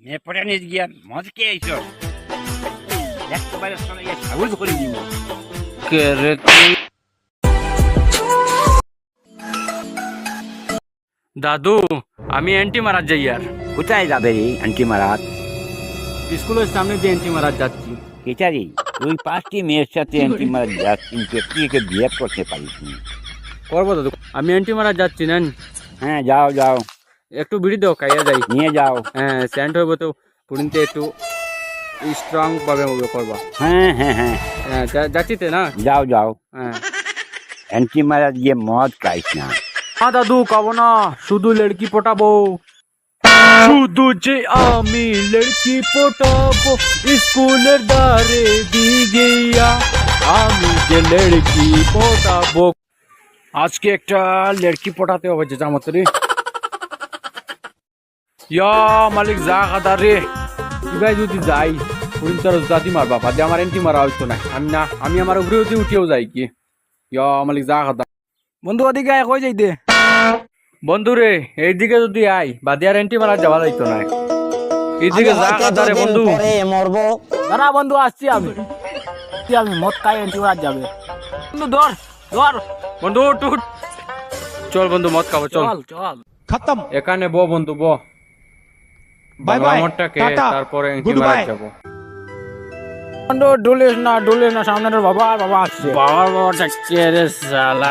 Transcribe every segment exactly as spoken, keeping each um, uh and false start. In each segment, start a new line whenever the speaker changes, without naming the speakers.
মেয়ে পড়ে নিয়ে গিয়া মদ কে আইস একবারে চলে গিয়ে সাবুজ করে দিব
কে রে তুই? দাদু আমি অ্যান্টি মারাত যাই আর
কোথায় যাবে রে আন্টি মারাত?
স্কুলের সামনে দিয়ে অ্যান্টি মারাত যাচ্ছি।
কেচারি তুই পাঁচটি মেয়ের সাথে আন্টি মারাত যাস কিন্তু একটি একে বিয়ে করতে পারিস নি।
করবো দাদু, আমি অ্যান্টি মারাত যাচ্ছি নেন।
হ্যাঁ যাও যাও
একটু বিড়ি দাও, খাইয়া যাই।
নিয়ে যাও।
হ্যাঁ স্যান্ড হইব তো পুরিনতে একটু স্ট্রং ভাবে হবে করবা।
হ্যাঁ হ্যাঁ হ্যাঁ
হ্যাঁ যা- যাচ্ছি তে না।
যাও যাও
হ্যাঁ
আন্টি মারাত গিয়ে মদ খাইস না।
না দাদু খাবো না, শুধু লড়কি পটাবো। শুধু যে আমি লড়কি পটাবো স্কুলের দ্বারে দি গিয়া, আমি যে লড়কি পটাবো। আজকে একটা লড়কি পটাতে হবে যে জামাতরি। ইয়া মালিক যা খাদা রে, এবার যদি যাই পুরিন তার জাতি মার বাবা দিয়ে আমার এন্টি মারা হইতো না। আমি না আমি আমার উপরে উঠে উঠেও যাই কি। ইয়া মালিক যা খাদা। বন্ধু ওদিকে আয়, কই যাইতে? বন্ধু রে এইদিকে যদি আই বাদিয়ার এন্টি মারা যাওয়া যাইতো না। এইদিকে যা খাদা রে বন্ধু। দাঁড়া বন্ধু আসছি আমি। আমি মদ খাই এন্টি মারা যাবে। বন্ধু ধর ধর বন্ধু টুট। চল বন্ধু মদ খাবো চল। চল
खत्म।
এখানে বো বন্ধু বো।
বাই বাই,
মদটাকে
টাটা,
তারপরে এন্টি
গুড
মারা
বাই।
যাবো। বন্ধু ডুলিস না ডুলিস না, সামনে তোর বাবা বাবা আসছে। বাবা বাবা যাচ্ছে রে শালা।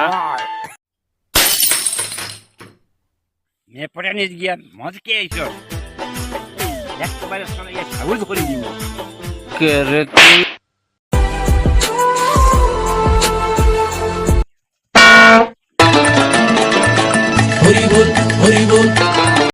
মেয়ে পড়ে নিয়ে গিয়া মদ কে আইস একবারে চলে গিয়ে সাবুজ করে দিব
কে রে তুই?